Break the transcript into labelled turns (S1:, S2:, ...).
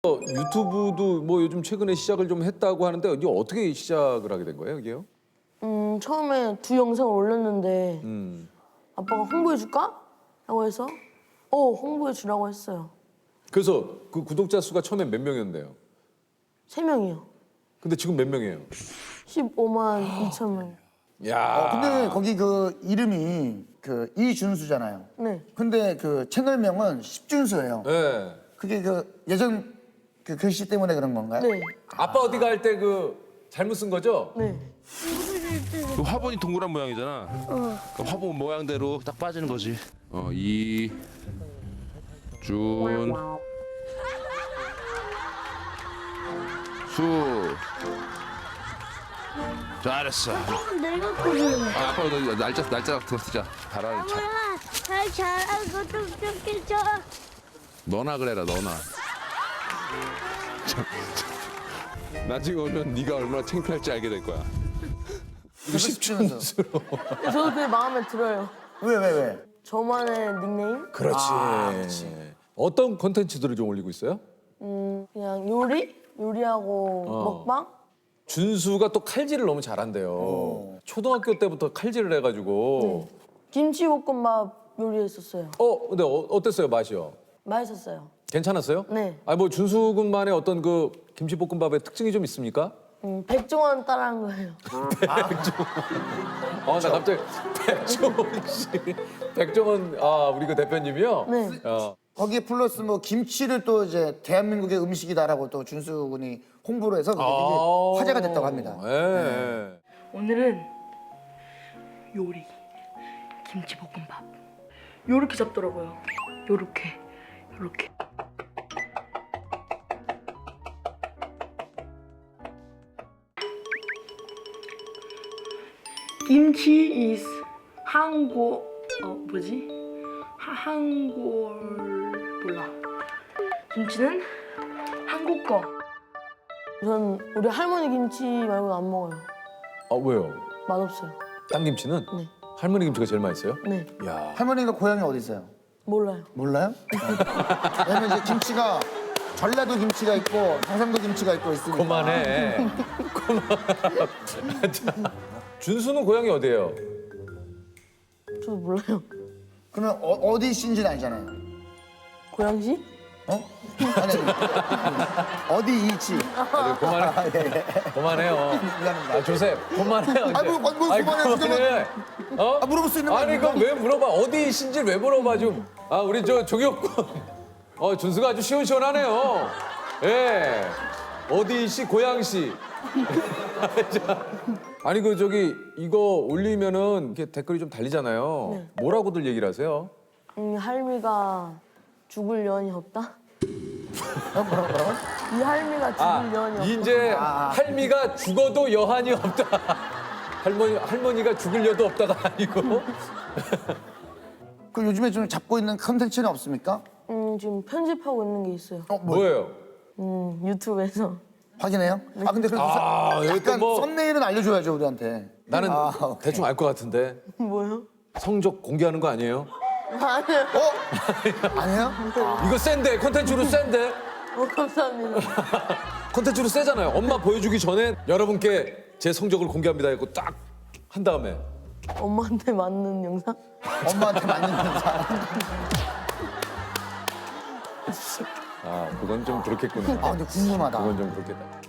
S1: 유튜브도 뭐 요즘 최근에 시작을 좀 했다고 하는데 이게 어떻게 시작을 하게 된 거예요, 이게요?
S2: 처음에 두 영상을 올렸는데 아빠가 홍보해 줄까? 라고 해서 홍보해 주라고 했어요.
S1: 그래서 그 구독자 수가 처음에 몇 명이었는데요?
S2: 3명이요.
S1: 근데 지금 몇 명이에요?
S2: 15만 2천 명.
S1: 야.
S3: 근데 거기 그 이름이 그 이준수잖아요.
S2: 네.
S3: 근데 그 채널명은 십준수예요.
S1: 네.
S3: 그게 그 예전 그 글씨 때문에 그런 건가요?
S2: 네.
S1: 아빠 어디 갈 때 그 잘못 쓴 거죠?
S2: 네.
S4: 그 화분이 동그란 모양이잖아. 그 화분 모양대로 딱 빠지는 거지. 이준 수. 잘했어.
S5: 내가 고르는
S4: 아빠 너 날짜 같은 거 쓰자. 잘하는 차.
S5: 거야. 잘 잘하고 좀 좋겠죠.
S4: 너나 그래라 너나. 나중에 오면 네가 얼마나 창피할지 알게 될 거야.
S1: 이거 십준수.
S2: 저도 그게 마음에 들어요.
S3: 왜?
S2: 저만의 닉네임?
S1: 그렇지. 어떤 콘텐츠들을 좀 올리고 있어요?
S2: 그냥 요리하고 먹방?
S1: 준수가 또 칼질을 너무 잘한대요. 초등학교 때부터 칼질을 해가지고.
S2: 김치볶음밥 요리했었어요.
S1: 근데 어땠어요, 맛이요?
S2: 맛있었어요.
S1: 괜찮았어요?
S2: 네.
S1: 아니 뭐 준수 군만의 어떤 그 김치볶음밥의 특징이 좀 있습니까?
S2: 백종원 따라한 거예요.
S1: 나 갑자기 백종원 씨, 백종원 우리 그 대표님이요.
S2: 네.
S3: 거기에 플러스 뭐 김치를 또 이제 대한민국의 음식이다라고 또 준수 군이 홍보를 해서 그게 되게 화제가 됐다고 합니다.
S1: 네.
S6: 오늘은 요리 김치볶음밥 요렇게 잡더라고요. 요렇게 김치 is 한국 뭐지? 한국 몰라. 김치는 한국 거.
S2: 전 우리 할머니 김치 말고는 안 먹어요.
S1: 왜요?
S2: 맛없어요.
S1: 땅 김치는?
S2: 네.
S1: 할머니 김치가 제일 맛있어요?
S2: 네.
S1: 야.
S3: 할머니가 고향이 어디 있어요?
S2: 몰라요.
S3: 몰라요? 왜냐면 이제 김치가 전라도 김치가 있고 경상도 김치가 있고 있으니까.
S1: 그만해. 준수는 고향이 어디예요?
S2: 저도 몰라요.
S3: 그러면 어디 씨인지는 알잖아요.
S2: 고양시?
S3: 아니, 어디 이치?
S1: 그만해. 그만해요.
S3: 미안합니다.
S1: 조셉, 그만해요. 이제.
S3: 뭐 그만해.
S1: 그만해.
S3: 물어볼 수 있는 거
S1: 아니
S3: 아닙니까?
S1: 그럼 왜 물어봐? 어디 신지 왜 물어봐 좀? 우리 저 종혁군. 준수가 아주 시원시원하네요. 예. 어디 씨, 고양시. 아니 그 저기 이거 올리면은 이렇게 댓글이 좀 달리잖아요.
S2: 네.
S1: 뭐라고들 얘기를 하세요?
S2: 할미가 죽을 여한이 없다? 이 할미가 죽을 여한이 없다.
S1: 이제 할미가 죽어도 여한이 없다. 할머니가 죽을 여도 없다가 아니고.
S3: 그 요즘에 좀 잡고 있는 컨텐츠는 없습니까?
S2: 지금 편집하고 있는 게 있어요.
S1: 뭐예요?
S2: 유튜브에서.
S3: 확인해요? 근데 그래도
S1: 여기 또
S3: 약간
S1: 뭐-
S3: 썸네일은 알려줘야죠 우리한테.
S1: 나는
S3: 오케이.
S1: 대충 알 것 같은데
S2: 뭐요?
S1: 성적 공개하는 거 아니에요?
S2: 아니요.
S3: 아니에요?
S1: 이거 센데 콘텐츠로 센데
S2: 감사합니다.
S1: 콘텐츠로 세잖아요. 엄마 보여주기 전에 여러분께 제 성적을 공개합니다 했고 딱 한 다음에
S2: 엄마한테 맞는 영상?
S3: 엄마한테 맞는 사람.
S1: 그건 좀 그렇겠구나.
S3: 근데 궁금하다.
S1: 그건 좀 그렇겠다.